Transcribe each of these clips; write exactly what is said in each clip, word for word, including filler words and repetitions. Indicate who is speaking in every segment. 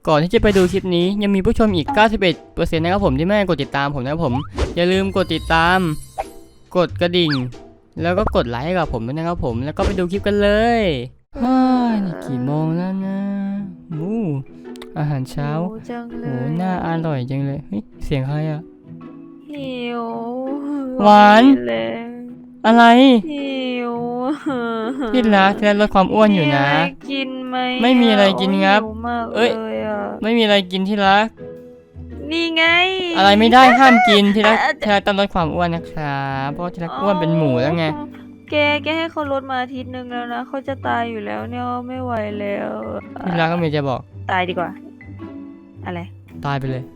Speaker 1: ก่อนที่จะไปดูคลิปนี้ยังมีผู้ชมอีก เก้าสิบเอ็ดเปอร์เซ็นต์ นะครับผมที่ไม่ได้กดติดตามผมนะครับผมอย่าลืมกดติดตามกดกระดิ่งแล้วก็กดไลค์ให้กับผมด้วยนะครับผมแล้วก็ไปดูคลิปกันเลยฮ่านี่กี่โมงแล้วนะมูอาหารเช้า
Speaker 2: จังเล
Speaker 1: โอ้
Speaker 2: ย
Speaker 1: น่าอร่อยจังเลยเฮ้ยเสียงใครอะ
Speaker 2: หิว
Speaker 1: หวาน
Speaker 2: เลย
Speaker 1: อะไร
Speaker 2: หิว
Speaker 1: พี่รักแค่ลดความอ้วนอยู่นะ
Speaker 2: มีอะไรกินไหม
Speaker 1: ไม่มีอะไรกินครับ
Speaker 2: หิวมาก
Speaker 1: เอ้ย
Speaker 2: เลยอะ
Speaker 1: ไม่มีอะไรกินที่รัก
Speaker 2: นี่ไง
Speaker 1: อะไรไม่ได้ห้ามกินที่รักที่รักต้องลดความอ้วนนะครับเพราะที่รักอ้วนเป็นหมูแล้วไง
Speaker 2: แกแกให้เขาลดมาอาทิตย์หนึ่งแล้วนะเขาจะตายอยู่แล้วเนี่ยไม่ไหวแล้ว
Speaker 1: ที่รักก็มีจะบอก
Speaker 2: ตายดีกว่า อะไร
Speaker 1: ตายไปเลย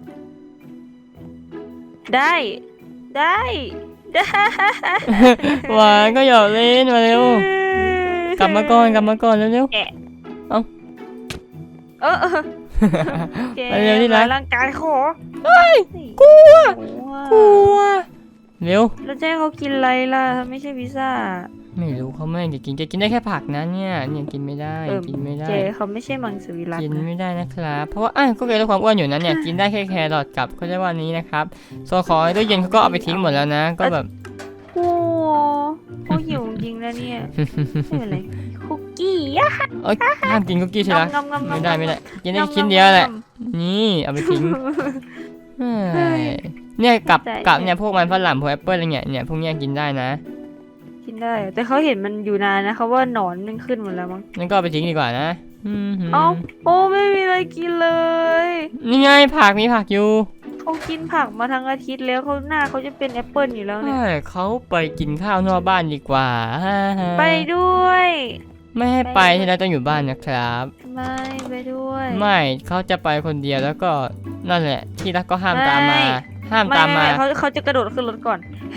Speaker 2: ได้ได้ได้
Speaker 1: หวานก็หยอกเล่นมาเร็วกลับมาก่อนกลับมาก่อนเร็ว
Speaker 2: แอะ
Speaker 1: เอ้า
Speaker 2: เออเออแก
Speaker 1: ไปเร็วที่รัก
Speaker 2: ร่างกายขอ
Speaker 1: เฮ้ยกลัวกลัวเร็ว
Speaker 2: แล้วจะให้เขากินอะไรล่ะถ้าไม่ใช่พิซซ่า
Speaker 1: ไม่รู้เขาไม่ให้กินแกกินได้แค่ผักนะเนี่ยเนี่ยกินไม่ได้
Speaker 2: เออ
Speaker 1: กินไม่ได้
Speaker 2: เจเขาไม่ใช่มังสวิรัติ
Speaker 1: กิน
Speaker 2: นะ
Speaker 1: ไม่ได้นะครับเพราะว่าอ่ะก็เกิดลดความอ้วนอยู่นะเนี่ยกินได้แค่แครอทกับเขาเรียกว่านี้นะครับส่วนของในตู้เย็นเขาก็เอาไปทิ้งหมดแล้วนะก็แบบ
Speaker 2: โอ้เขาหิวจริงนะเนี่ยไม่เป็นไรคุกกี้อะ
Speaker 1: เอ้ยห้ามกินคุกกี้ใช่ไหม
Speaker 2: งำงำงำ
Speaker 1: ไม่ได้ไม่ได้กินได้
Speaker 2: งำ
Speaker 1: ชิ้นเดียวแหละ
Speaker 2: งำ
Speaker 1: นี่เอาไปทิ้งเฮ้ยเนี่ยกับ
Speaker 2: ใจ
Speaker 1: กับ
Speaker 2: เนี่ย
Speaker 1: เนี่ยพวกมันฝรั่งพวกแอปเปิ้ลอะไรเงี้ยเนี่ยพวกเนี้ยกินได้นะ
Speaker 2: กินได้ แต่เขาเห็นมันอยู่นานนะเขาว่าหนอนมันขึ้นหมดแล้วมั้ง
Speaker 1: นั่นก็เอาไปทิ้งดีกว่านะอืมหืม
Speaker 2: เอ้าโอ้ไม่มีอะไรกินเลย
Speaker 1: นี่ไงผักมีผักอยู่
Speaker 2: เขากินผักมาทั้งอาทิตย์แล้วเขาหน้าเขาจะเป็นแอปเปิลอยู่แล้วเนี่ย
Speaker 1: เฮ้ยเขาไปกินข้าวนอกบ้านดีกว่า
Speaker 2: ไปด้วย
Speaker 1: ไม่ให้ไปที่เราต้องอยู่บ้านนะครับ
Speaker 2: ไม่ไปด้วย
Speaker 1: ไม่เขาจะไปคนเดียวแล้วก็นั่นแหละที่รักก็ห้ามตามมา
Speaker 2: ไม่
Speaker 1: ห้าม
Speaker 2: ไม่
Speaker 1: ตาม
Speaker 2: ไม่
Speaker 1: มา
Speaker 2: ไม่เขาเขาจะกระโดดขึ้นรถก่อน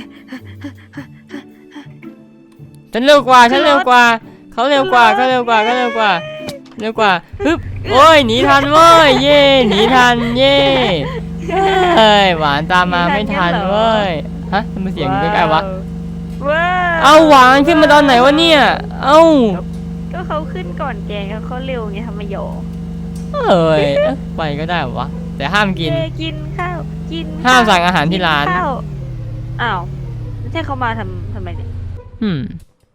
Speaker 1: ฉันเร็วกว่า
Speaker 2: ขึ้
Speaker 1: ฉัน
Speaker 2: นรถ
Speaker 1: เร็วกว่าเขาเร็วกว่า
Speaker 2: ขึ้
Speaker 1: เขา
Speaker 2: นรถ
Speaker 1: เร็วกว่าเขาเร็วกว่าเร็วกว่าฮึบโอ้ยหนีทันเว้ยเย่หนีทันเย่เฮ้ยหวานตามมาไม่ทันเว้ยฮะทำไมเสียงใกล้ๆวะ
Speaker 2: ว้าว
Speaker 1: เอาหวานขึ้นมาตอนไหนวะเนี่ยเอ้า
Speaker 2: ก็เขาขึ้นก่อนแกเขาเขาเร็วไงทำไมโย
Speaker 1: เอ้ยเอ๊ะไปก็ได้วะแต่ห้ามกิน
Speaker 2: เจกินข้าวกิน
Speaker 1: ห้ามสั่งอาหารที่ร้าน
Speaker 2: ข้าวอ้าวไม่ใช่เขามาทำทำไมเนี่ย
Speaker 1: อืม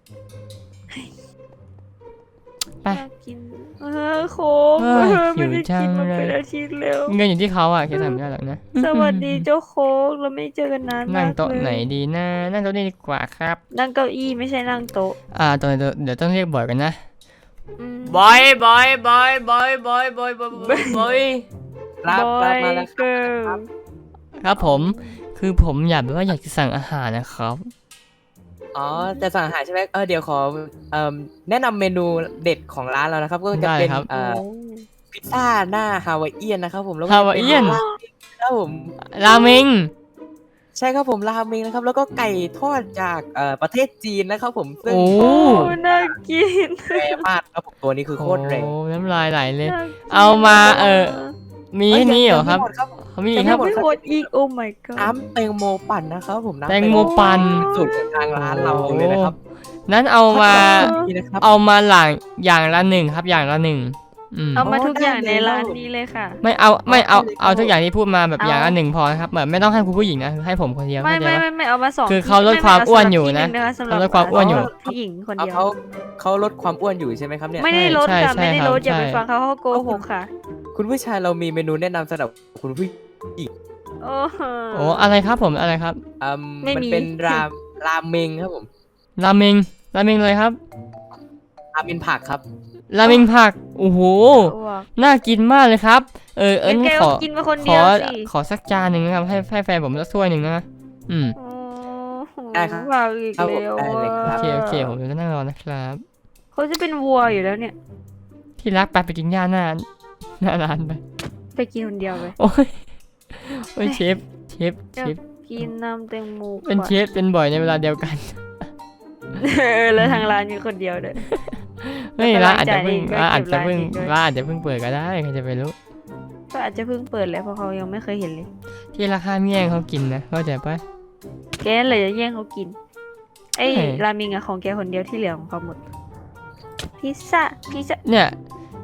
Speaker 1: ไป
Speaker 2: อยากกินเออโค้ก
Speaker 1: เฮ้ย
Speaker 2: เออ
Speaker 1: หิว
Speaker 2: ไม่ได้
Speaker 1: จัง
Speaker 2: กินมา
Speaker 1: เลย
Speaker 2: เป็นอาทิตย์แล้ว
Speaker 1: เงินอยู่ที่เขาอ่ะแค่ทำไม่ได้หรอกนะ
Speaker 2: สวัสดีเจ้าโค้กเราไม่เจอกันนาน
Speaker 1: นั่
Speaker 2: มาง ก
Speaker 1: โต๊ะ
Speaker 2: เลย
Speaker 1: ไหนดีนะนั่งโต๊ะนี้ดีกว่าครับ
Speaker 2: นั่งเก้าอี้ไม่ใช่นั่งโต๊ะ
Speaker 1: อ่าตอนนี้เดี๋ยวต้องเรียกบ่อยกันนะ
Speaker 2: อืม
Speaker 1: บอยบอยบอยบอยบอยบอยบอยบอย
Speaker 3: รับรับมาแล้ว
Speaker 2: เกิร์ล
Speaker 1: ครับผม คือผมอยากแบบว่าอยากจะสั่งอาหารนะครับ
Speaker 3: อ๋อจะสั่งอาหารใช่ไหมเออเดี๋ยวขอเอ่อแนะนำเมนูเด็ดของร้านเรานะครับ ก็จะเป็น
Speaker 1: ได้ครับ
Speaker 3: เอ่อพิซซ่าหน้าฮาวายเอียนนะครับผมแล้วก็
Speaker 1: ฮาวายเอียน
Speaker 3: ป็ราเมงครับผม
Speaker 1: ราเมง
Speaker 3: ใช่ครับผมราเมงนะครับ แล้วก็ไก่ทอดจากเอ่อประเทศจีนนะครับผมซึ่ง
Speaker 1: โอ้
Speaker 2: โอ้น่ากิน
Speaker 3: แรงมากครับผมตัวนี้คือโคตรแรง
Speaker 1: โอ้น้ำลายไหลเลย
Speaker 2: น่กิน
Speaker 1: เอามาเออ มีแค่นี้เหรอครับ
Speaker 3: ยังไม่หมดครับ
Speaker 1: เขามีอี
Speaker 3: ยั
Speaker 1: ก
Speaker 3: ง
Speaker 1: ครับ
Speaker 3: หมด
Speaker 2: ไม่หมดอีกโอ้ my god
Speaker 3: น้ำแตงโมปั่นนะครับผมน้ำ
Speaker 1: แตงโมปั่น
Speaker 3: สูตรของทางร้านเราเลยนะครับ
Speaker 1: นั้นเอามา
Speaker 3: นี่นะครับ
Speaker 1: เอามาหลังอย่างละหนึ่งครับอย่างละหนึ่งอืม
Speaker 2: เอามา
Speaker 3: อ๋อ
Speaker 2: ทุกอย่าง
Speaker 3: ได้
Speaker 2: ใน
Speaker 3: เลย
Speaker 2: ร้านนี้เลยค่ะ
Speaker 1: ไม่เอาไม่เอา
Speaker 3: เอาเลย
Speaker 1: เอาทุกอย่างที่พูดมาแบบ
Speaker 2: เอา
Speaker 1: อย่างละหนึ่งพอนะครับแบบไม่ต้องให้คุณผู้หญิงนะให้ผมคนเดียว
Speaker 2: ไม่
Speaker 1: เข้าใจ
Speaker 2: ไม่
Speaker 1: ปะ
Speaker 2: ไม่ไม่เอามาสอง
Speaker 1: คือเขาลดความอ้วนอยู่นะ
Speaker 2: สำหรับ
Speaker 1: เขาลดความอ้วนอยู่
Speaker 2: ผู้หญิงคน
Speaker 3: เอา
Speaker 2: เดียว
Speaker 3: เขาเขาลดความอ้วนอยู่ใช่ไหมครับเนี่ย
Speaker 2: ไม่ได้ลด
Speaker 1: ใช่
Speaker 2: ค่ะ
Speaker 1: ใช่
Speaker 2: ไม่ได้
Speaker 1: ครับ
Speaker 2: ลดอย่าไป
Speaker 1: ใช่
Speaker 2: ฟังเขาเขาโกหกค่ะ
Speaker 3: คุณผู้ชายเรามีเมนูแนะนำสำหรับคุณผู้
Speaker 2: โอ้โห
Speaker 1: โอ้อะไรครับผมอะไรครับ
Speaker 3: อืม
Speaker 2: ไม่
Speaker 3: มัน
Speaker 2: มี
Speaker 3: เป็นราราเมงครับผม
Speaker 1: ราเมงราเมงเลยครับ
Speaker 3: ราเมงผักครับ
Speaker 1: ราเมงผักโอ้โห
Speaker 2: อ้วก
Speaker 1: น่ากินมากเลยครับ เออเอิ
Speaker 2: งั้
Speaker 1: ญ
Speaker 2: นแก
Speaker 1: ข
Speaker 2: ก็
Speaker 1: อ
Speaker 2: กินมาคน
Speaker 1: ข
Speaker 2: เดี
Speaker 1: อ
Speaker 2: ยวสิ
Speaker 1: ขอสักจานหนึ่งนะครับให้ให้แฟนผมสักถ้วยหนึ่งนะอืม
Speaker 2: โอ้โห
Speaker 3: ได้ครับ
Speaker 2: ฝากอีก
Speaker 3: ครับผม
Speaker 2: แล้ว
Speaker 3: ได้เลยครั
Speaker 1: โอบ เคโอเคผมจะนั่งรอนะครับ
Speaker 2: เขาจะเป็นวัวอยู่แล้วเนี่ย
Speaker 1: ที่รักไปไปกินย่าหน้าหน้าร้านไป
Speaker 2: ไปกินคนเดียวไป
Speaker 1: โอ้ยโอ้ยเชฟเชฟเชฟ
Speaker 2: กินน้ำแตงโม
Speaker 1: เป็นเชฟเป็นบ่อยในเวลาเดียวกัน
Speaker 2: เออแล้วทางร้านมีคนเดียวเลย
Speaker 1: เฮ้ย
Speaker 2: แล้วก็
Speaker 1: ร้านอาจจะเพิ่ง
Speaker 2: ร้า
Speaker 1: ร้าน
Speaker 2: น
Speaker 1: อาจจะเพิ่ง
Speaker 2: เก็บรายเองด้วย
Speaker 1: ร้านอาจจะเพิ่งเปิดก็ได้ใครจะไปรู้
Speaker 2: ก็อาจจะเพิ่งเปิดแล้วเพราะเขายังไม่เคยเห็นเลย
Speaker 1: ที่ราคาเมี่ยงเขากินนะเข้าใจปะ
Speaker 2: แกเลยจะแย่งเขากินไอ้
Speaker 1: ใช่
Speaker 2: ราเมิงอะของแกคนเดียวที่เหลือของเขาหมดพิซซ่าพิซซ่า
Speaker 1: เนี่ย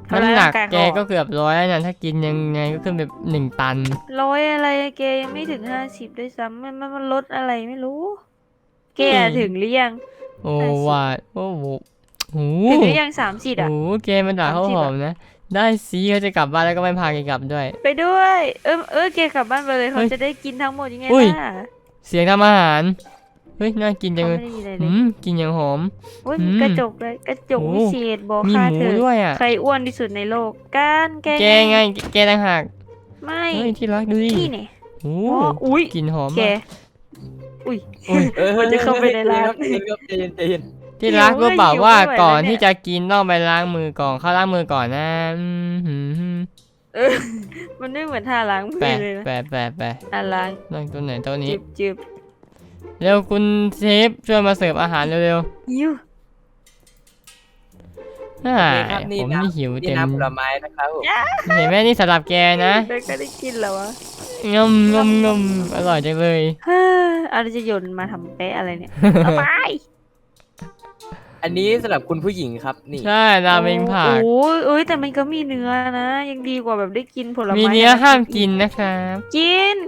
Speaker 2: ทำร้าย
Speaker 1: น้ำหนั
Speaker 2: ร่าก งกาย
Speaker 1: แก
Speaker 2: เขา
Speaker 1: ก็เกือบร้อยแล้วนะถ้ากินยังไงก็ขึ้นไปหนึ่งตัน
Speaker 2: ร้อยอะไรอะแกยังไม่ถึงห้าสิบด้วยซ้ำมันมันมันลดอะไรไม่รู้ แก
Speaker 1: อืม
Speaker 2: ถึงหรือยัง
Speaker 1: โอ้
Speaker 2: ห้าสิบ
Speaker 1: ว่าโอ้โหโอ้
Speaker 2: ถึง
Speaker 1: โห
Speaker 2: หรือยังสามสิบอ่ะ
Speaker 1: โอ้โหแกมันด่าเขา
Speaker 2: สามสิบ
Speaker 1: หอ
Speaker 2: อะ
Speaker 1: มนะ ได้สิเขาจะกลับบ้านแล้วก็ไม่พาแกกลับด้วย
Speaker 2: ไปด้วย เออเออแกกลับบ้านไปเลยเขา
Speaker 1: เฮ้ย
Speaker 2: จะได้กินทั้งหมดยังไง
Speaker 1: อุ้ย
Speaker 2: ล่ะ
Speaker 1: เสียงทำอาหาร เฮ้ย น่ากินจั
Speaker 2: เขา
Speaker 1: งเล
Speaker 2: ไม่
Speaker 1: ย
Speaker 2: ได้ยินอะไรเล
Speaker 1: อื
Speaker 2: ย
Speaker 1: มกินอย่างหอม
Speaker 2: โอ้ย
Speaker 1: อื
Speaker 2: มี
Speaker 1: ม
Speaker 2: กระจกเลยกระจก
Speaker 1: โอ้
Speaker 2: วิเศษบอก
Speaker 1: มี
Speaker 2: ค่า
Speaker 1: หมู
Speaker 2: เธอ
Speaker 1: ด้วยอ่ะ
Speaker 2: ใครอ้วนที่สุดในโลกกันแก
Speaker 1: แกไง แกต่างหาก
Speaker 2: ไม่
Speaker 1: เฮ้ย ที่รักดูดิ
Speaker 2: นี่เนี่ย
Speaker 1: โอ้
Speaker 2: อ๋ออุ้ย
Speaker 1: กลินหอม
Speaker 2: แก
Speaker 1: มาก
Speaker 2: อุ้ย
Speaker 1: อุ้ย
Speaker 3: เออ
Speaker 2: มันจะเข้าไปในร้าน
Speaker 3: ใจเย็นครับใจเย็นใจเย็น
Speaker 1: ที่รัก
Speaker 2: หิว
Speaker 1: รู้เปล่า
Speaker 2: หิว
Speaker 1: ว่า
Speaker 2: ไม่ไหว
Speaker 1: ก่อน
Speaker 2: แล้วเนี่ย
Speaker 1: ที่จะกินต้องไปล้างมือก่อน เข้าล้างมือก่อนนะอืมหืม
Speaker 2: เออ มันไม่เหมือนท่าล้างมือ
Speaker 1: แปะ
Speaker 2: เลยนะ
Speaker 1: แปะแปะแปะ
Speaker 2: อ่ะล้าง
Speaker 1: นั่งตัวไหนตัวนี้
Speaker 2: จิบจิบ
Speaker 1: เร็วคุณเชฟช่วยมาเสิร์ฟอาหารเร็ว
Speaker 2: หิว
Speaker 1: ๆอ่า
Speaker 3: นี่ครับนี่
Speaker 1: ผม
Speaker 3: น้
Speaker 1: นี่หิว
Speaker 3: ำนี่
Speaker 1: เต็ม
Speaker 3: น้ำผลไม้นะครับผม
Speaker 1: เห็นไหมนี่สำหรับแกนะ
Speaker 2: เด็กก็ได้กินแล้ววะ
Speaker 1: งมงมงมอร่อยจังเลย
Speaker 2: เฮ้ออะไรจะโยนมาทำเป๊ะอะไรเนี่ย เอาไป
Speaker 3: อันนี้สำหรับคุณผู้หญิงครับนี่
Speaker 1: ใช่ราเมงผัก
Speaker 2: โอ้ยเอ้ยแต่มันก็มีเนื้อนะ ยังดีกว่าแบบได้กินผลไม้
Speaker 1: มีเนื้อ
Speaker 2: ทั้ง
Speaker 1: ห้าม
Speaker 2: ชีวิต
Speaker 1: กินนะครับ
Speaker 2: กิน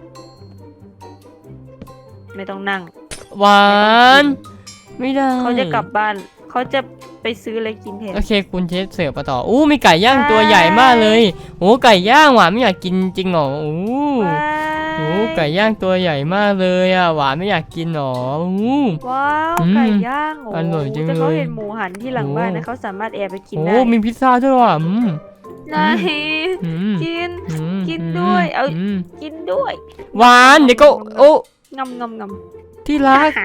Speaker 2: ไม่ต้องนั่ง
Speaker 1: หวานไม่ได้
Speaker 2: เขาจะกลับบ้าน เขาจะไปซื้ออะไรกินแทน
Speaker 1: โอเคคุณเชฟเสิร์ฟมาต่ออู้มีไก่ย่าง
Speaker 2: ใช่
Speaker 1: ตัวใหญ่มากเลยโอ้ไก่ย่างหวานไม่อยากกินจริงเหรอโอ้
Speaker 2: ว้า
Speaker 1: โหไก่ย่างตัวใหญ่มากเลยอ่ะหวานไม่อยากกินหรออู้
Speaker 2: ว้าว
Speaker 1: อืม
Speaker 2: ไก่ย่างโอ้
Speaker 1: อร่อยจัง
Speaker 2: แต่เขา
Speaker 1: เลย
Speaker 2: เห็นหมูหันที่หลังบ้าน
Speaker 1: โอ้
Speaker 2: นะเขาสามารถแอบไปกิน
Speaker 1: โอ้
Speaker 2: ได้
Speaker 1: มีพิซซ่าด้วยว่ะอืม
Speaker 2: ไหน
Speaker 1: อืม
Speaker 2: กิน
Speaker 1: อืม
Speaker 2: กินด้วยเอา
Speaker 1: ม
Speaker 2: กินด้วย
Speaker 1: หวานเดี๋ยวก็โอ้
Speaker 2: งำงำงำ
Speaker 1: ที่รัก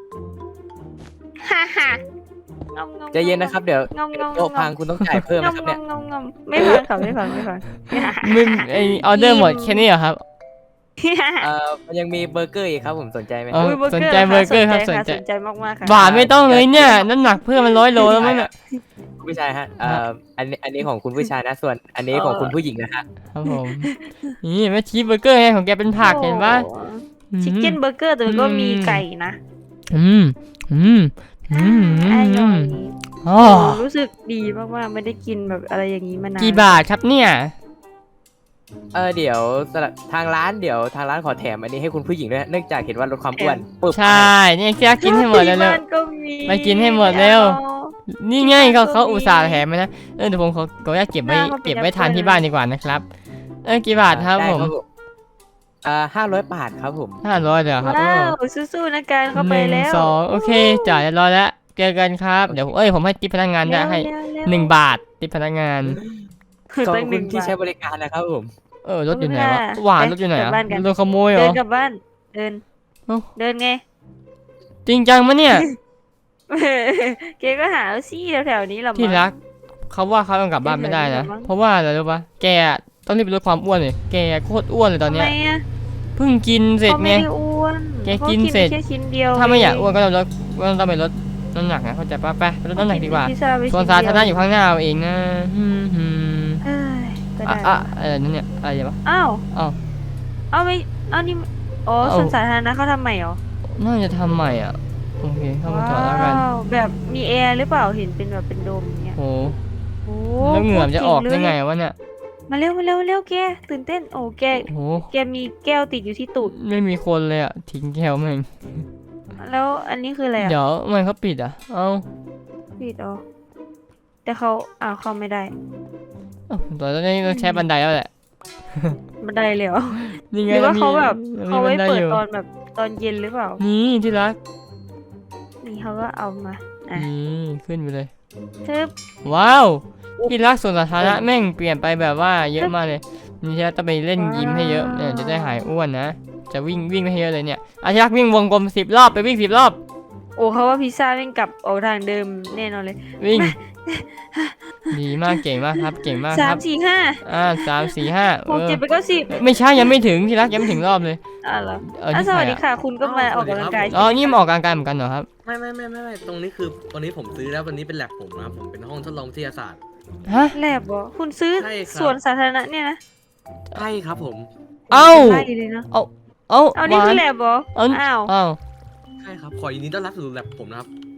Speaker 2: ฮ่าฮ่า งำงำ
Speaker 3: ใจเย็นนะครับเดี๋ยว
Speaker 2: งำงำ
Speaker 3: โต๊ะพังคุณต้องจ่ายเพิ่มนะครับ
Speaker 2: งำ
Speaker 3: เนี่ย
Speaker 2: งำงำงำไม่ฟังค่ะไม่ฟังไม่ฟัง
Speaker 1: มึงไอออเดอร์หมดแค่นี้เหรอครับ
Speaker 3: เอ่อมันยังมีเบอร์เกอร์อีกครับผมสนใจไหม
Speaker 1: เออ
Speaker 2: อุ้ยเบอร์
Speaker 1: สน
Speaker 2: เกอร์
Speaker 1: ใจเบอร์เกอร์ครับ
Speaker 2: ส
Speaker 1: ส
Speaker 2: น
Speaker 1: น
Speaker 2: ใจ
Speaker 1: ใจ
Speaker 2: สนใจมากๆค่ะ
Speaker 1: หวานไม่ต้องเลยเนี่ยน้ำหนักเพิ่มมันร้อยโลแล้วมั้งเนี่ย
Speaker 3: คุณผู้ชายฮะเอ่ออันนี้อันนี้ของคุณผู้ชายนะส่วน อันนี้ของคุณผู้หญิงนะฮะ
Speaker 1: ครับผมนี่แม่ชีสเบอร์เกอร์ไงของแกเป็นผักเห็นปะ
Speaker 2: ชิคเก้นเบอร์เกอร์แต่มันก็มีไก่นะ
Speaker 1: อืมอืมอืมอื
Speaker 2: อ
Speaker 1: ม
Speaker 2: ร่อย
Speaker 1: อ๋อ
Speaker 2: โอ้รู้สึกดีมากๆไม่ได้กินแบบอะไรอย่างนี้มานาน
Speaker 1: กี่บาทครับเนี่ย
Speaker 3: เออเดี๋ยวสำหรับทางร้านเดี๋ยวทางร้านขอแถมอันนี้ให้คุณผู้หญิงด้วยเนื่องจากเห็นว่าลดความอ้วนปึ๊บ
Speaker 1: ใช่เนี่ยแกกินให้หมดเลย
Speaker 2: ที่
Speaker 1: เร็ว
Speaker 2: บ้านก็มี
Speaker 1: ไปกินให้หมดเร็ว
Speaker 2: อา
Speaker 1: นี่ไงเขาเขา
Speaker 2: ก็มี
Speaker 1: อุตส่าห์แถมมานะเออเดี๋ยวผมขอขออนุญาตเก็บไว้
Speaker 2: หน้ามันเป็น
Speaker 1: เก็บไว้ทาน
Speaker 2: แอปเปิ้ล
Speaker 1: ที่บ้านดีกว่านะครับเออกี่บาทครับ
Speaker 3: ได้
Speaker 1: ผม
Speaker 3: เอ่อห้าร้อยบาทครับผม
Speaker 1: ห้าร้อยเดี๋ยวครับ
Speaker 2: ว้าวสู้ๆนะการเข้าไป
Speaker 1: หนึ่ง
Speaker 2: แล้ว
Speaker 1: สองโอเคจ่ายเรียบร้อยแล้วเจอกันครับเดี๋ยวเอ้ยผมให้ทิปพนักงานได้ให้
Speaker 2: เร็วๆเร็ว
Speaker 1: หนึ่งบาททิปพนักงาน
Speaker 2: คือ
Speaker 3: ขอบ
Speaker 2: ตั้งห
Speaker 3: คุ
Speaker 2: นึ่
Speaker 3: ณ
Speaker 2: ง
Speaker 3: ที่
Speaker 2: บาท
Speaker 3: ใช้บริการนะครับผม
Speaker 1: เออรถอยู่ไหนวะ
Speaker 2: ไม่เป็นไร
Speaker 1: หวาน
Speaker 2: ไป
Speaker 1: รถอยู่ไหน
Speaker 2: กลับ
Speaker 1: อ่ะ
Speaker 2: บ้านกัน
Speaker 1: โดนขโมยเหร
Speaker 2: เดิ
Speaker 1: อน
Speaker 2: กลับบ้าน เดิน
Speaker 1: เอ้า
Speaker 2: เดินไง
Speaker 1: จริงจังมะเนี่ย
Speaker 2: เกก็หาเอาซี่แถวๆนี้หรอ
Speaker 1: ที่รักเขาว่าเขาต้องกลับบ้านไม่ได้นะ
Speaker 2: มั้ง
Speaker 1: เพราะว่าอะไรรู้ปะแกต้องรีบไปลดความอ้วนเลยแกโคตรอ้วนเลยตอน
Speaker 2: ทำ
Speaker 1: เนี้
Speaker 2: ไม
Speaker 1: ย
Speaker 2: อ่ะ
Speaker 1: เพิ่งกินเสร็จ
Speaker 2: เขา
Speaker 1: ไง
Speaker 2: ไม่ได้อ้วน
Speaker 1: แกกินเสร็จ
Speaker 2: ขาแค่ชิ้นเดียว
Speaker 1: ถ้าไม่อยากอ้วนก็ต้องลดก็ต้องไปลดน้ำหนักนะเข้าใจปะไปไปลดน้ำหนักดีกว่า
Speaker 2: พิซซ่ไป
Speaker 1: ส่วน
Speaker 2: ชิ้
Speaker 1: สา
Speaker 2: เดี
Speaker 1: ธารณะอยู่ข้างหน้าเอาเองนะฮึมฮึม
Speaker 2: เอ้ยก็
Speaker 1: อ่ะ
Speaker 2: ได้
Speaker 1: อ่ะอะไรนั่นเนี่ยอะไรวะ
Speaker 2: อ้าว
Speaker 1: อ้าว
Speaker 2: เอาไม่เอานี่อ๋อ
Speaker 1: เอา
Speaker 2: ส่วนสาธารณะเขาทำใหม่เหรอ
Speaker 1: น่าจะทำใหม่อ่ะโอเคเข้ามาจอดแล้วกัน
Speaker 2: ว้าวแบบมีแอร์หรือเปล่าเห็นเป็นแบบเป็นโดมอย่างเงี้ย
Speaker 1: โอ้
Speaker 2: โอ้
Speaker 1: แล้วเหงื่อมันจะออกได้ไง
Speaker 2: โคตรเจ๋เลย
Speaker 1: วะเนี่ย
Speaker 2: มาเร็วมาเร็วมาเร็วแกตื่นเต้นโอ้แก
Speaker 1: โอ้โห
Speaker 2: แกมีแก้วติดอยู่ที่ตูด
Speaker 1: ไม่มีคนเลยอ่ะทิ้งแก้วแม่ง
Speaker 2: แล้วอันนี้คืออะไรอ่ะ
Speaker 1: เดี๋ยวทำไมันเขาปิดอ่ะเอ้า
Speaker 2: ปิดอ๋อแต่เขาอ้าวเข้าไม่ได้
Speaker 1: เอ้าตอนนี้ต้องใช้บันไดแล้วแหละ
Speaker 2: บันไดเลยเหรอ
Speaker 1: นี่ไง
Speaker 2: หรือว่าเขาแบบ
Speaker 1: มี
Speaker 2: เขาไว้
Speaker 1: บันได
Speaker 2: เปิด
Speaker 1: อยู่
Speaker 2: ตอนแบบตอนเย็นหรือเปล่า
Speaker 1: นี่ที่รัก
Speaker 2: นี่เขาก็เอามาอ่ะ
Speaker 1: นี่ขึ้นไปเลย
Speaker 2: ทึบ
Speaker 1: ว้าวที่รักส่วนสาธารณะแม่งเปลี่ยนไปแบบว่าเยอะมากเลยนี่ที่รักต้องไปเล่นยิมให้เยอะเนี่ยจะได้หายอ้วนนะจะวิ่งวิ่งให้เยอะเลยเนี่ยอาที่รักวิ่งวงกลมสิบรอบไปวิ่งสิบรอบ
Speaker 2: โอ้เขาว่าพิซซ่าวิ่งกลับออกทางเดิมแน่นอนเลย
Speaker 1: วิ่ง ดีมากเก่งมากครับ เก่งมาก
Speaker 2: สา
Speaker 1: ค
Speaker 2: ม
Speaker 1: รับ
Speaker 2: สี่ห้า
Speaker 1: อ่าสามสี่ห้า
Speaker 2: หก
Speaker 1: เออ
Speaker 2: เจ็ดไปดเก็สิบ
Speaker 1: ไม่ใช่ยังไม่ถึงที่รักยังไม่ถึงรอบเลย
Speaker 2: อ่ะเหรอ
Speaker 1: เออ
Speaker 2: อ่ะ
Speaker 1: นี่
Speaker 2: ส
Speaker 1: ใคร
Speaker 2: วัสดี
Speaker 1: อ่ะ
Speaker 2: ค่ะ คุณก็มาออกกำลังกาย
Speaker 1: อ๋อนี่มาออกกำลังกายเหมือนกันเหรอครับ
Speaker 4: ไม่ไม่ไม่ไม่ไม่ตรงนี้คือวันนี้ผมซื้อแล้ววันนี้เป็นแลบผมนะครับผมเป็นห้องทดลองวิทยาศาสตร์
Speaker 1: ฮะ
Speaker 2: แลบเหรอคุณซื้อ
Speaker 4: ใช่ครับ
Speaker 2: สวนสาธารณะเนี่ยนะ
Speaker 4: ใช่ครับผม
Speaker 1: เอ้า
Speaker 2: ไล่เลยนะ
Speaker 1: เอ้า
Speaker 2: เอานี่คือแลบเหรอ
Speaker 1: เอ้า
Speaker 2: อ้าว
Speaker 1: เอ้า
Speaker 4: ใช่ครับขอยินดีต้อนรับสู่แลบผมนะครับ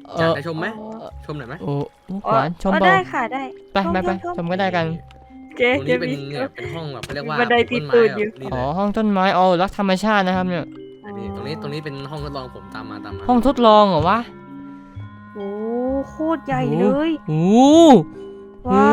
Speaker 1: เอ
Speaker 4: อยาก
Speaker 1: อ
Speaker 4: จะชมไหมชมหน่อยไหม
Speaker 1: โอ้โอ้
Speaker 2: อ๋อ
Speaker 1: หวานชม
Speaker 2: อ๋อ
Speaker 1: เบา
Speaker 2: ได้ค่ะได้
Speaker 1: ไปไปไป
Speaker 2: ชม
Speaker 1: ชมก็ได้กัน
Speaker 2: เจ๊
Speaker 4: ตรง
Speaker 2: เจ๊
Speaker 4: นี้เป็น
Speaker 2: มี
Speaker 4: เนี่ยเป็นห้องแบบเขาเรียกว่า
Speaker 2: บันไดตี
Speaker 4: ต้น
Speaker 2: ตู
Speaker 4: ไม้
Speaker 2: ด
Speaker 4: แบ
Speaker 2: อยู่
Speaker 4: บนี่
Speaker 1: อ๋
Speaker 4: เล
Speaker 1: อย ห้องต้นไม้อ๋อรักธรรมชาตินะครับเนี่ย
Speaker 4: นี่ตรงนี้ตรงนี้เป็นห้องทดลองผมตามมาตามมา
Speaker 1: ห้องทดลองเหรอวะ
Speaker 2: โอ้โคตรใหญ่เลย
Speaker 1: โอ้
Speaker 2: ว้าว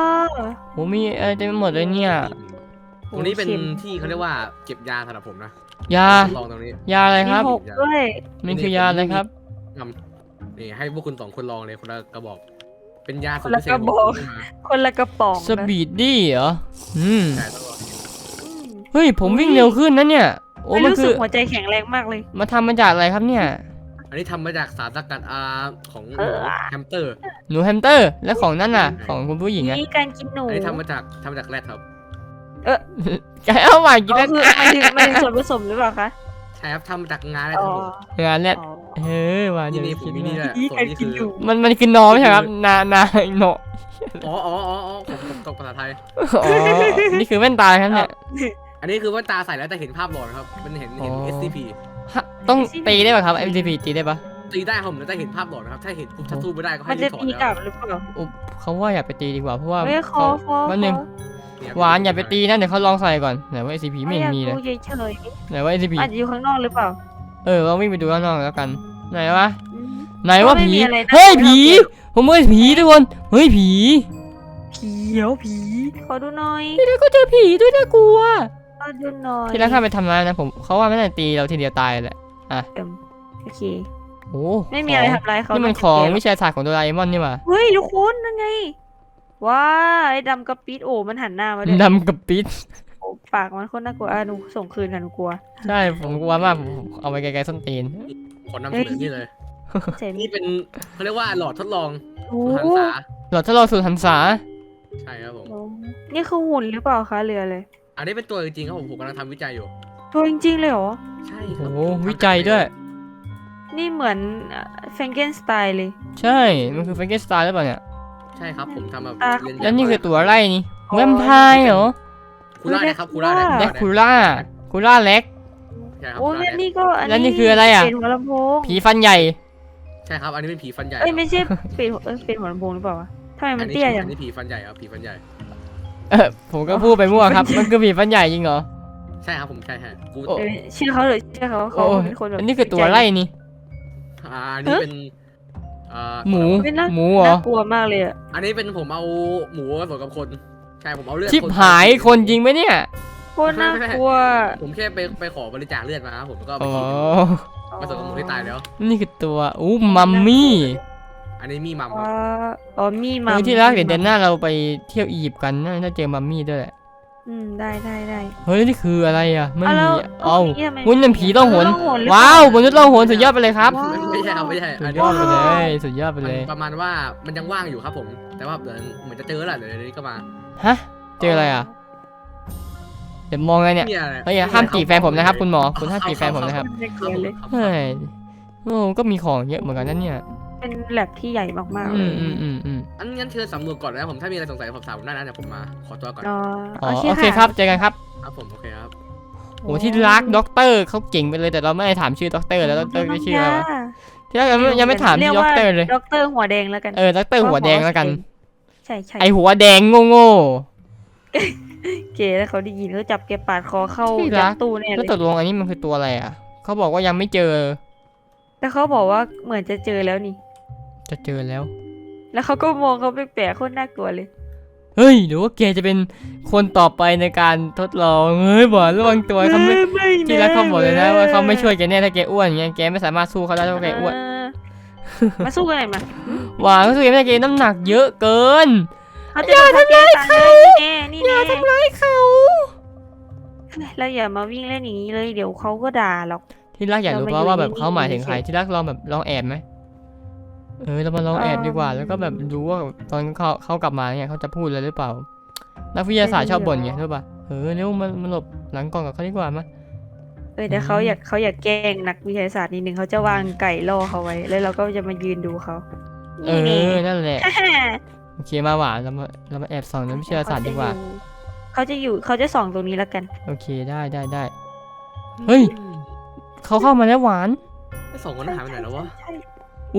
Speaker 1: โหมีอะไรเต็มไปหมดเลยเนี่ย
Speaker 4: ตรงนี้เป็น
Speaker 2: ข็ม
Speaker 4: ที่เขาเรียกว่าเก็บยาสำหรับผมนะ
Speaker 1: ยา
Speaker 4: ทดลองตรงนี้
Speaker 1: ยาอะไรครับ
Speaker 2: มีหกด้วย
Speaker 1: มันคือยาอะไรครับ
Speaker 4: ทำนี่ให้พวกคุณสองคนลองเลยคนละกระบอก เป็นยาสู
Speaker 2: ค
Speaker 4: ต
Speaker 2: น
Speaker 4: ร
Speaker 2: ละ
Speaker 4: พิเศ
Speaker 2: ก
Speaker 4: ษ
Speaker 2: ระบอก
Speaker 4: ที่มา
Speaker 2: คนละกระป๋อง
Speaker 1: สปีดดี้เหรอ อืม
Speaker 4: ใช่ต้องลอง
Speaker 2: อืม
Speaker 1: เฮ้ย ผมวิ่งเร็วขึ้นนะเนี่ย โอ้
Speaker 2: ไม่
Speaker 1: มัน
Speaker 2: รู้
Speaker 1: คื
Speaker 2: สึ
Speaker 1: อก
Speaker 2: หัวใจแข็งแรงมากเลย
Speaker 1: มาทำมาจากอะไรครับเนี่ย
Speaker 4: อันนี้ทำมาจากสารสกัดอาของห
Speaker 2: เอ
Speaker 4: มู
Speaker 2: อ
Speaker 4: แฮมสเตอร์
Speaker 1: หนูแฮมสเตอร์ และของนั่นน่ะ ของคุณผู้หญิงอะ
Speaker 2: นี่การกินหนู
Speaker 4: อันนี้ทำมาจากทำมาจากแรดครับ
Speaker 1: แกเอาใหม่กิน
Speaker 2: อ๋อ
Speaker 1: แล้ว
Speaker 2: คือมันถึงมันถึงส่วนผสมหรือเปล่าคะ
Speaker 4: ใช่ครับทำมาจากงาแรด
Speaker 2: อ๋
Speaker 4: ค
Speaker 2: อ
Speaker 4: รับผม
Speaker 1: งานเนี่ย
Speaker 2: อ๋อ
Speaker 1: เฮ้ยว่า
Speaker 4: นี่
Speaker 1: เดี๋ยว
Speaker 4: นี่ผม
Speaker 1: คิด
Speaker 4: มีนี่
Speaker 1: ว่า
Speaker 4: ด้วย
Speaker 2: นี่
Speaker 4: ส่วน
Speaker 2: การ
Speaker 4: นี้
Speaker 2: กิ
Speaker 4: คื
Speaker 2: น
Speaker 4: อ
Speaker 2: หนู
Speaker 1: มันมันคือนอไม่ใช่ครับ นานาโน
Speaker 4: อ๋ออ๋ออ๋ออ๋อผมผมตกภาษาไทย
Speaker 1: อ๋อ นี่คือแว่นตาครับเนี่ย
Speaker 4: อันนี้คือว่าตาใส่แล้วแต่เห็นภาพหลอนครับ มันเห็นเห็น
Speaker 1: อ๋อ
Speaker 4: เอส ซี พี
Speaker 1: ฮะต้องตีได้ป่ะครับ เอ็ม ซี พี ตีได้ป่ะ
Speaker 4: ตีได้ครับผมแต่เห็นภาพหลอนนะครับ ถ้าเห็นปุ๊บถ้าสู้ไม่ได้ก็
Speaker 2: มั
Speaker 4: ให้
Speaker 2: น
Speaker 4: รี
Speaker 2: จะ
Speaker 4: บถอด
Speaker 2: ตี
Speaker 4: แล้ว
Speaker 2: กลับหรือเปล่า
Speaker 1: อุ๊บเขาว่าอย่าไปตีดีกว่าเพราะว่า
Speaker 2: เฮ้ยคอ
Speaker 1: เขา
Speaker 2: คอ
Speaker 1: วันหนึ่ง
Speaker 4: เนี่ย
Speaker 1: หวานอย่าไปตีนะเดี๋ยวเขาลองใส่ก่อนไหนว่า เอส ซี พี ไม่เห็นมีเลย
Speaker 2: อยากดูเฉย
Speaker 1: ไหนว่า เอส ซี พี
Speaker 2: ๆอาจจะอยู่ข้างนอกหรือเปล่า
Speaker 1: เออเราวิ่งไปดูข้างนอกแล้วกัน ไหนวะ
Speaker 2: อืม
Speaker 1: ไหนว่า
Speaker 2: ก็ไม่
Speaker 1: ผี
Speaker 2: มีอะไรนะ
Speaker 1: เฮ้ย
Speaker 2: ไม่
Speaker 1: ผี
Speaker 2: ต้องเก็บ
Speaker 1: ผมเฮ้ยผีทุกคนเฮ้ยผี
Speaker 2: ผีเดี๋ยวผีขอดูหน่อย
Speaker 1: ที่แล้วก็เจอผีด้วยน่ากลัว
Speaker 2: ขอดูหน่อย
Speaker 1: ที่แล้วข้าไปทำร้ายนะผมเขาว่าไม่ได้ตีเราทีเดียวตายแหละ
Speaker 2: โอเค
Speaker 1: โอ้
Speaker 2: ไม่มีอะไร
Speaker 1: ข
Speaker 2: ทำร้ายเขา
Speaker 1: นี่มัน
Speaker 2: น
Speaker 1: ของ
Speaker 2: เก็บ
Speaker 1: วิชาศาสตร์ของโดราเอมอนนี่หว่า
Speaker 2: เฮ้ยทุกคนนั่นไงว้าไอ้ดำกระปิดโอ้มันหันหน้ามาด้วย
Speaker 1: ดำกับปิด
Speaker 2: โอ้ปากมันโคนน่ากลัวอ่ะหนูส่งคืนค่ะหนูกลัว
Speaker 1: ใช่ผมกลัวมากผมเอาไปไกลๆส้นตีน
Speaker 4: ขอนำเสนอนี่เลย
Speaker 2: เจ๋ง
Speaker 4: นี่เป็นเขาเรียกว่าหลอดทดลอง
Speaker 2: โอ้
Speaker 4: หันษา
Speaker 1: หลอดทดลองสูตรหันษา
Speaker 4: ใช่ครับผม
Speaker 2: นี่คือหุ่นหรือเฟล่าคะเรือเลย
Speaker 4: อันนี้เป็นตัวจริงๆครับผมผมกำลังทำวิจัยอยู่
Speaker 2: ตัวจริงๆเลยเหรอ
Speaker 4: ใช่ค
Speaker 1: โอ้
Speaker 4: รับ
Speaker 1: โหวิจัยด้วย
Speaker 2: นี่เหมือนแฟรงเกนสไตล์เลย
Speaker 1: ใช่ มันคือแฟรงเกนสไตน์หรือเปล่าเนี่ย
Speaker 4: ใช่ครับผมทำแบบ
Speaker 2: อ่ะ
Speaker 4: เรียน
Speaker 1: แล้วนี่คือตัวอะไรนี่
Speaker 2: อ๋อ
Speaker 1: แวมไพร์เหรอ
Speaker 4: คูล่านะครับคูล่า
Speaker 1: แดกคูล่าคูล่าเล็ก
Speaker 4: ใช่ครับ
Speaker 2: โอ้
Speaker 4: คู
Speaker 2: แล้
Speaker 4: ล่าว
Speaker 2: นี่ก็อัน
Speaker 1: แล้วนี่
Speaker 2: นี้
Speaker 1: คืออะไรอ่ะ
Speaker 2: เป็นหัวลำโพง
Speaker 1: ผีฟันใหญ่
Speaker 4: ใช่ครับอันนี้เป็นผีฟันใหญ่
Speaker 2: เอ้ยไม่ใช่เป็นหัวเอ้ยเป็นหัวลำโพงหรือเปล่าวะทำไม
Speaker 4: อั
Speaker 2: มัน
Speaker 4: นนี้
Speaker 2: เตี้ยจั
Speaker 4: อั
Speaker 2: ง
Speaker 4: นนี้ผีฟันใหญ่ครับผีฟันใหญ่
Speaker 1: เออผมก็พูดไปมั่วครับ มันคือผีฟันใหญ่จริงเหรอ
Speaker 4: ใช่ครับผมใช่ฮะกู
Speaker 1: โอ้
Speaker 2: เออเชื่อเขาเลยเชื่อเขาเขา
Speaker 1: โอ้ย
Speaker 2: เป็นคนแบบ
Speaker 1: อันนี้คือตัวอะไรนี่
Speaker 4: อ่าอันนี้เป็นอ่า
Speaker 1: หมู
Speaker 2: เป็นน่า
Speaker 1: หมูเหรอ
Speaker 2: น่ากลัวมากเลยอะ
Speaker 4: อันนี้เป็นผมเอาหมูผสมกับคนใช่ผมเอาเลือด
Speaker 1: ชิบ
Speaker 4: คน
Speaker 1: หายคนจริงไหมเนี่ย
Speaker 2: โคตรน่ากลัว
Speaker 4: ผมแค่ไปไปขอบริจาคเลือดมาครับผมแล้วก็เอาไป
Speaker 1: อ๋อ
Speaker 4: กินผสมกับหมูที่ตายแล้ว
Speaker 1: นี่คือตัวอู้มัมมี่
Speaker 4: อันนี้มีมัมค
Speaker 2: ว้า
Speaker 4: รับ
Speaker 2: อ๋อมี
Speaker 1: เอ
Speaker 2: มา
Speaker 1: อที่รักเดี๋ยวเดือนหน้าเราไปเที่ยวอียิปต์กันน่าจะเจอมัมมี่ด้วยแหละ
Speaker 2: อืมได้ได้ได้
Speaker 1: เฮ้ยนี่คืออะไรอ่ะไม่
Speaker 2: เอา
Speaker 1: มี
Speaker 2: แล้ว
Speaker 1: เอ้า
Speaker 2: นี่ทำไม
Speaker 1: หุ้นเป็นผีต้องหน
Speaker 2: ต้องหนหรือเปล่
Speaker 1: ว้าวมนุษย์ล่องหนสุดยอดไปเลยครับ
Speaker 2: ว้าว
Speaker 4: ไม่ใช่ครับไม่ใช่
Speaker 1: สุ
Speaker 4: อั
Speaker 1: ด
Speaker 4: น
Speaker 1: ย
Speaker 4: นี้
Speaker 1: อดไปเลยสุดยอดไป
Speaker 4: มัน
Speaker 1: เลย
Speaker 4: ประมาณว่ามันยังว่างอยู่ครับผม แต่ว่าเดี๋ยวเหมือนจะเจอแล้วเดี๋ยวนี้ก็มา
Speaker 1: ฮะเจออะไรอ่ะเดี๋ยวมองไงเนี่ย
Speaker 4: นี่อะไร
Speaker 1: เฮ้ยห้ามจีบแฟนผมนะครับ คุณหมอคุณห้ามจีบแฟนผมนะครับ
Speaker 2: ไม่
Speaker 4: ค
Speaker 2: เก
Speaker 4: รับ
Speaker 2: ลียดเลย
Speaker 4: ครับ
Speaker 1: เฮ้ยโอ้ก็มีของเยอะเหมือนกันนั่นเนี่ย
Speaker 2: เป็นแลบที่ใหญ่มากๆ
Speaker 1: อื
Speaker 2: เล
Speaker 1: ม
Speaker 2: ย
Speaker 1: อืมอืมอืม
Speaker 4: อันงั้นเชิญสำรวจก่อนนะผมถ้ามีอะไรสงสัยผมถามผมได้นะเดี๋ยวผมมาขอตัวก่อน
Speaker 2: อ๋อ
Speaker 1: อ๋อโอเคครับเจอกันครับ
Speaker 4: ครับผมโอเคครับ
Speaker 1: โอ้ที่รักด็อกเตอร์เขาเก่งไปเลยแต่เราไม่ได้ถามชื่อด็อกเตอร์แล้วด็อกเตอร์จะชื่ออะไรวะที่รักยังไม่ยังไม่ถามชื่อด็อกเตอร์เลย
Speaker 2: ด็อกเตอร์หัวแดงแล้วกัน
Speaker 1: เออด็อกเตอร์หัวแดงแล้วกัน
Speaker 2: ใช่ใช่
Speaker 1: ไอหัวแดงโง่โง่
Speaker 2: เก๋แล้วเขาได้ยินเขาจับแกปาดคอเข้า
Speaker 1: ที่รั
Speaker 2: ยั
Speaker 1: ก
Speaker 2: ดตู้แน่
Speaker 1: ๆ
Speaker 2: เล
Speaker 1: แล้ว
Speaker 2: ย
Speaker 1: ตกลงอันนี้มันคือตัวอะไรอ่ะเขาบอกว่ายังไม่เจอ
Speaker 2: แต่เขาบอกว่าเหมือนจะเจอแล้วนี่
Speaker 1: จะเจอแล้ว
Speaker 2: แล้วเขาก็มองเขาแปลกๆโคตรน่ากลัวเลย
Speaker 1: เฮ้ยหรือว่าแกจะเป็นคนต่อไปในการทดลองเฮ้ยบอกระวังตัวเขาไม่
Speaker 2: ไม่
Speaker 1: ที่รักเขาบอกเลยนะว่าเขาไม่ช่วยแกแน่ถ้าแกอ้วนอย่างเงี้ยแกไม่สามารถสู้เขาได้ถ้าแกอ้วน
Speaker 2: เออมาสู้กันหน่อยมา
Speaker 1: หวานเขาสู้แกไม่ได้แกน้ำหนักเยอะเกิน
Speaker 2: เขาจะโดนทำร้ายเขานี่แน่นี่แน่
Speaker 1: ทำร้ายเขา
Speaker 2: เราอย่ามาวิ่งเล่นอย่างนี้เลยเดี๋ยวเขาก็ด่าหรอก
Speaker 1: ที่รักอยากรู้
Speaker 2: เรามา
Speaker 1: เพราะว่าแบบ
Speaker 2: อยู่
Speaker 1: เขาหมายถึง
Speaker 2: นิ่งๆ
Speaker 1: ใครที่รักลองแบบลองแอบไหมเออเรามาลองแอบดีกว่า แล้วก็แบบดูว่าตอนเขาเขากลับมาเนี่ยเขาจะพูดอะไรหรือเปล่า นักวิทยาศาสตร์ชอบบ่นไงรู้ป่ะเออเร็วมันมันหลบหลังกล่องกับเขาดีกว่ามั้ย
Speaker 2: เออแต่เขาอยากเขาอยากแกล้งนักวิทยาศาสตร์นิดนึงเขาจะวางไก่ล่อเขาไว้ แล้วเราก็จะมายืนดูเขา
Speaker 1: เอ
Speaker 2: นี่
Speaker 1: อนั่นแหละ
Speaker 2: แน่
Speaker 1: โอเคมาหวานเรามาเรามาแอบส่องนักวิทยาศาสตร์ดีกว่า
Speaker 2: เขาจะอยู่เขาจะส่องตรงนี้แล้วกัน
Speaker 1: โอเคได้ได้ได้ เฮ้ย เขาเข้ามาแล้วหวาน
Speaker 4: ไอ้สองคนนั้นหายไปไหนแล้ววะ
Speaker 2: ใช่
Speaker 1: อู้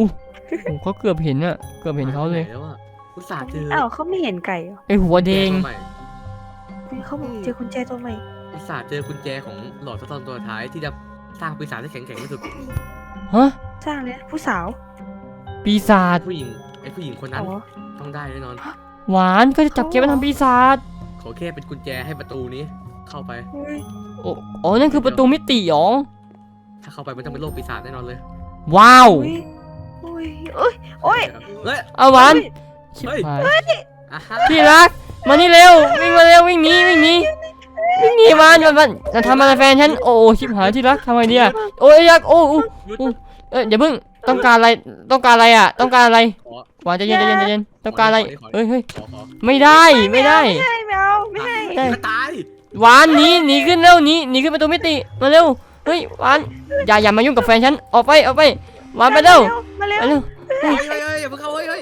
Speaker 1: โอ้เขาเกือบเห็นอะเกือบเห็นเขาเลย
Speaker 4: หแล้วอะอุตส่าห์เจอ
Speaker 2: อ้าวเขาไม่เห็นไก่เหรอ
Speaker 1: ไอหัวแดง
Speaker 4: ตัวใหม่
Speaker 2: เขาบอกเจอกุญแจตัวใหม่
Speaker 4: อุตส่าห์เจอกุญแจของหลอดทดลองตัวท้ายที่จะสร้างปีศาจที่แข็งแกร่งที่สุด
Speaker 1: ฮะ
Speaker 2: สร้างเลยผู้สาว
Speaker 1: ปีศาจ
Speaker 4: ผู้หญิงไอ้ผู้หญิงคนนั้น
Speaker 2: อ๋อ
Speaker 4: ต้องได้แน่นอน
Speaker 1: หวานก็จะจับแกไปทำปีศาจ
Speaker 4: ขอแค่เป็นกุญแจให้ประตูนี้ เข้าไป
Speaker 2: อุ้ย
Speaker 1: โอ้อ๋อนั่นคือประตูมิติหรอ
Speaker 4: ถ้าเข้าไปมันต้องเป็นโลกปีศาจแน่นอนเลย
Speaker 1: ว้าว
Speaker 2: อุ้ยอุ้ยโอ้ยโอ้ย
Speaker 4: เฮ้ย
Speaker 1: เอาหวาน
Speaker 4: เฮ้ย
Speaker 1: ชิบหาย
Speaker 4: อ่ะฮะ
Speaker 1: ที่รักมานี่เร็ววิ่งมาเร็ววิ่งหนีวิ่งหนีวิ่งหนีมันมันมันจะทำอะไรแฟนฉันโอ้โอ้ชิบหายที่รักทำไงดีอะโอ้ยยักษ์โอ้โอ้
Speaker 4: หยุด
Speaker 1: โอ้เอ้ยอย่าเพิ่งต้องการอะไรต้องการอะไรอะต้องการอะไร
Speaker 4: ขอ
Speaker 1: หวานใจเย็นใจเย็นใจเย็นต้องการอะไร
Speaker 4: ขอขอ
Speaker 1: เฮ้ยเฮ้ย
Speaker 4: ขอขอ
Speaker 1: ไม่ได้ไม่ได้
Speaker 2: ไม่ให้ไม่เอาไม่ให้
Speaker 1: ได้
Speaker 4: ก็ตาย
Speaker 1: หวานหนีหนีขึ้นเร็วหนีหนีขึ้นประตูมิติมาเร็วเฮ้ยหวานอย่าอย่ามายุ่งกับแฟนฉันออกไปออกไปหวานไปเร็ว
Speaker 2: มาเร็ว
Speaker 1: ไปเร็ว
Speaker 4: เฮ้ยเฮ้ยเฮ้ยอย่าเพิ่งเข้าเฮ้ยเฮ้ย